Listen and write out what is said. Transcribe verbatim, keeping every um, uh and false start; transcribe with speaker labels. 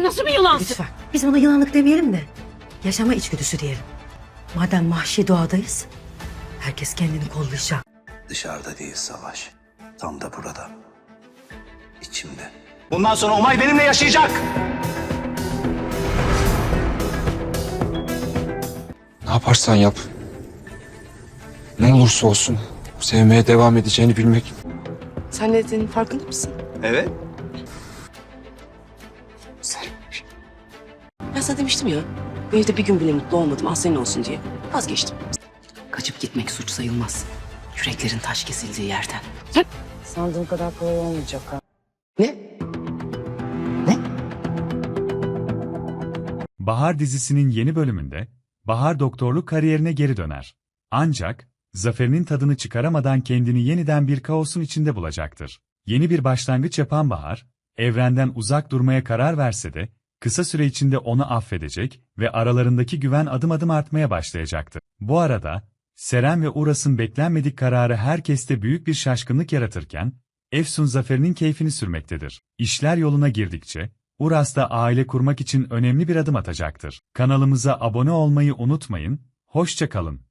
Speaker 1: nasıl bir yılansın?
Speaker 2: Lütfen. Biz ona yılanlık demeyelim de yaşama içgüdüsü diyelim. Madem vahşi doğadayız, herkes kendini kollayacak.
Speaker 3: Dışarıda değil savaş. Tam da burada. İçimde.
Speaker 4: Bundan sonra Umay benimle yaşayacak.
Speaker 5: Ne yaparsan yap. Ne olursa olsun sevmeye devam edeceğini bilmek.
Speaker 6: Sen ne dediğinin farkında mısın?
Speaker 4: Evet.
Speaker 6: Güzelmiş. Ben sana demiştim ya, bu evde bir gün bile mutlu olmadım, az senin olsun diye. Vazgeçtim. Kaçıp gitmek suç sayılmaz. Yüreklerin taş kesildiği yerden. Sen...
Speaker 2: Sandığım kadar kolay olmayacak ha.
Speaker 6: Ne?
Speaker 7: Bahar dizisinin yeni bölümünde Bahar doktorluk kariyerine geri döner. Ancak zaferinin tadını çıkaramadan kendini yeniden bir kaosun içinde bulacaktır. Yeni bir başlangıç yapan Bahar, evrenden uzak durmaya karar verse de kısa süre içinde onu affedecek ve aralarındaki güven adım adım artmaya başlayacaktır. Bu arada Seren ve Uras'ın beklenmedik kararı herkeste büyük bir şaşkınlık yaratırken Efsun zaferinin keyfini sürmektedir. İşler yoluna girdikçe Uras da aile kurmak için önemli bir adım atacaktır. Kanalımıza abone olmayı unutmayın, hoşça kalın.